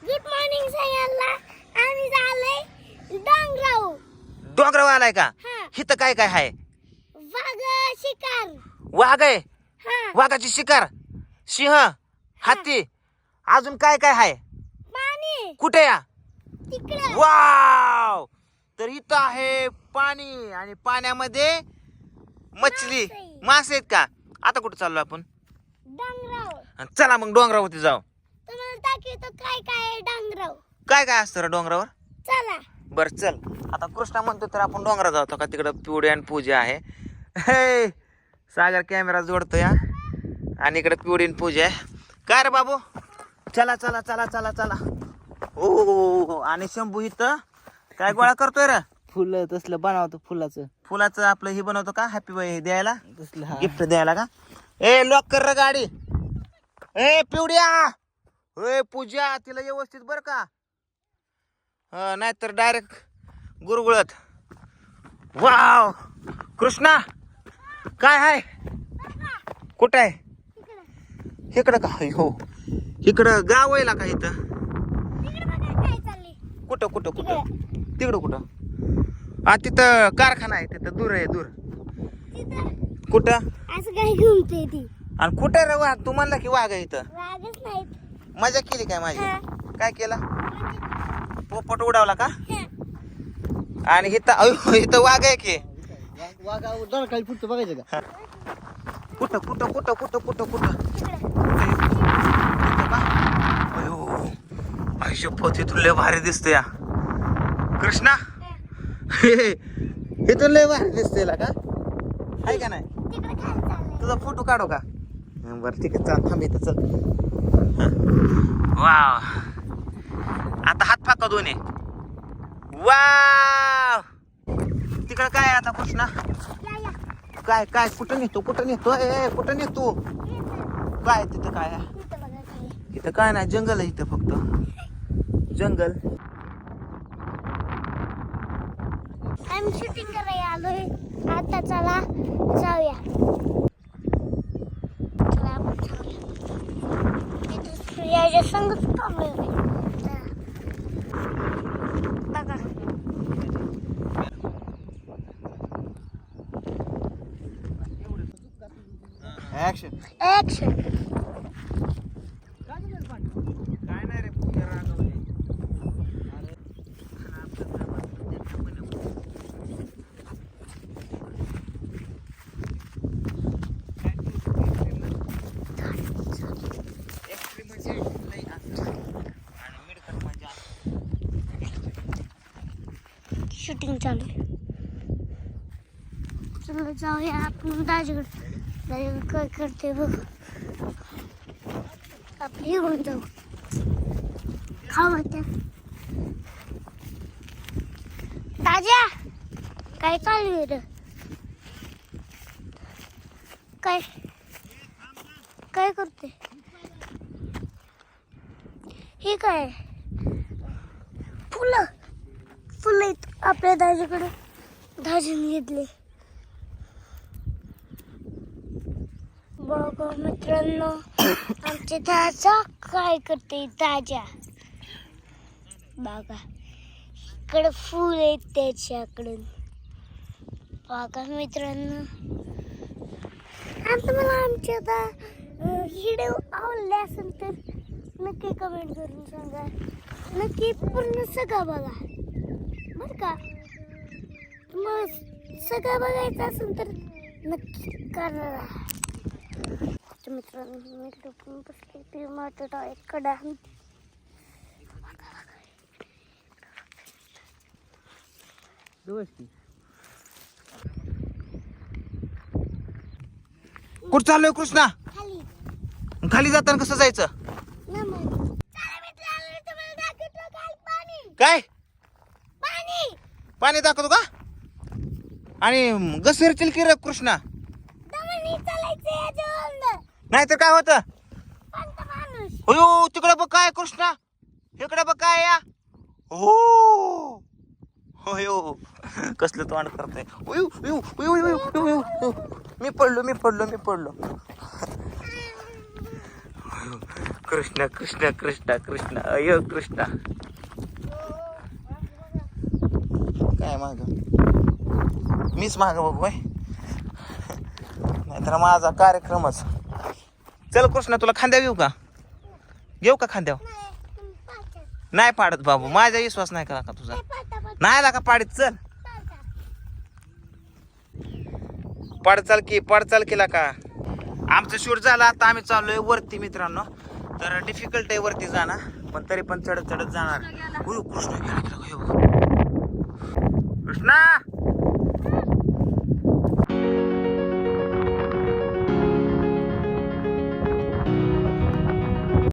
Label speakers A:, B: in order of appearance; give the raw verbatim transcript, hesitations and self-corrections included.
A: Good morning सगळ्यांना. आम्ही झालोय डोंगराव.
B: डोंगरावर आलाय का?
A: हा.
B: इथं काय काय आहे?
A: वाघ शिकार.
B: वाघ आहे.
A: हा.
B: वाघाची शिकार, सिंह, हत्ती, अजून काय काय आहे?
A: पाणी
B: कुठे या?
A: तिकडे.
B: वाव! तर इथं आहे पाणी आणि पाण्यामध्ये मछली,
A: मासे.
B: मासे आहेत का? आता कुठं चाललो आपण?
A: डोंगराव.
B: चला मग डोंगरावरती जाऊ.
A: तुम्हाला दाखवतो काय काय आहे डोंगराव.
B: काय काय असतं रे डोंगरावर?
A: चला.
B: बर चल. आता कृष्णा म्हणतो तर आपण डोंगरात जातो का? तिकडं पिवडी आणि पूजा आहे. हे सागर कॅमेरा जोडतो या आणि इकडे पिवडी आणि पूजा आहे. काय रे बाबू? चला चला चला चला चला. ओ आणि शंभू इथं काय गोळा करतोय रे?
C: फुलं तसलं बनवतो फुलाचं.
B: फुलाचं आपलं हे बनवतो का? हॅपी बर्थडे द्यायला,
C: तसलं हा.
B: गिफ्ट द्यायला का? ए लॉक कर रे गाडी. ए पिवड्या, ए पूजा, तिला व्यवस्थित बर का? नाहीतर डायरेक्ट गुरगुळत. वाव कृष्णा, काय आहे? कुठं आहे? इकडं का? हो इकडं गाव आहे का इथं?
A: तिकडे बघा काय चाललंय.
B: कुठं कुठं कुठं? तिकडं कुठं? हा तिथं कारखाना आहे, तिथं दूर आहे दूर.
A: तिथं
B: कुठं?
A: असं काय घुमते ती.
B: आणि कुठं रे वाघ? तू म्हणला की वाघ आहे इथं.
A: वाघच नाहीत.
B: मजा केली काय माझी?
A: हा.
B: काय केलं? पोपट उडावला का?
A: हा.
B: आणि इथं अयो, इथं वाघ आहे की.
C: वाघा दोन काही पुढचं बघायचं का?
B: कुठं कुठं कुठं कुठं कुठं कुठं?
A: तिकडे.
B: इथं का? अयो आयुष्य पोत इथून लय भारी दिसतोय या कृष्णा. इथून लय भारी दिसतोय का? आहे का नाही?
A: तिकडे काय चाललंय.
B: तुझा फोटो काढू का? बरं ठीक आहे चल, थांब इथं चल. वाव, आता हात फाका दोन्ही. वाव, तिकडं काय आहे आता कृष्णा?
A: या या.
B: काय काय कुठं नेतो कुठं नेतो? ए कुठं नेतो? काय तिथं काय आहे?
A: तिथं बघा काय.
B: इथं काय नाही, जंगल आहे इथं, फक्त जंगल.
A: आम्ही शूटिंग करायला आलोय. आता चला जाऊया. चला आपण जाऊया. इथं याच्या संगच थांबलोय. चला. बघा.
C: ऍक्शन.
A: ऍक्शन.
B: काय नाही रे, पूजा रागवली.
A: शूटिंग चालू आहे. चला जाऊया आपण दाजीकडे. दाजीकडे काय करते बघ. आपली घेऊन जाऊ. खाऊ त्या दाजा. काय चालू आहे रे? काय काय करते? हे काय? फुलं फुलं आहेत आपल्या दाजीकडे. दाजीने घेतले. बघा मित्रांनो, आमचे दाजा काय करते. दाजा बघा, इकडे फुल आहेत त्याच्याकडून. बघा मित्रांनो, आता मला आमच्या आता व्हिडिओ आवडले असेल तर नक्की कमेंट करून सांगा. नक्की पूर्ण सगळं बघा बर का. मग सगळं बघायचं असेल तर नक्की करा. मित्रांनो मी लपून बसले ते माझ्या डोळ्याकडे.
B: कुठं चाललोय कृष्णा?
A: खाली
B: खाली जाताना कसं जायचं? काय
A: पाणी
B: पाणी दाखवतो का? आणि घसरतील की रे कृष्णा?
A: दमनी चालायचं याच्यावर.
B: नाहीतर काय होतं?
A: पंत माणूस.
B: अयो तिकडे बघ काय कृष्णा, इकडे बघ काय या. हो अयो कसलं तोंड करतोय. उयू, उयू, उयू, उयू, उयू, उयू. मी पडलो मी पडलो मी पडलो कृष्ण कृष्ण कृष्ण कृष्ण अय कृष्ण काय माग मीच माग बघू बाय नाहीतर माझा कार्यक्रमच. चल कृष्ण तुला खांद्या घेऊ का घेऊ का खांद्यावर नाही पाडत बाबू माझा विश्वास नाही करा का तुझा नाही लागा पाडीत चल पड चाल की पड चाल केला का. आमचं शूट झालं आता आम्ही चाललोय वरती मित्रांनो. तर डिफिकल्ट आहे वरती जाणं पण तरी पण चढत चढत जाणार. कृष्ण गेला कृष्णा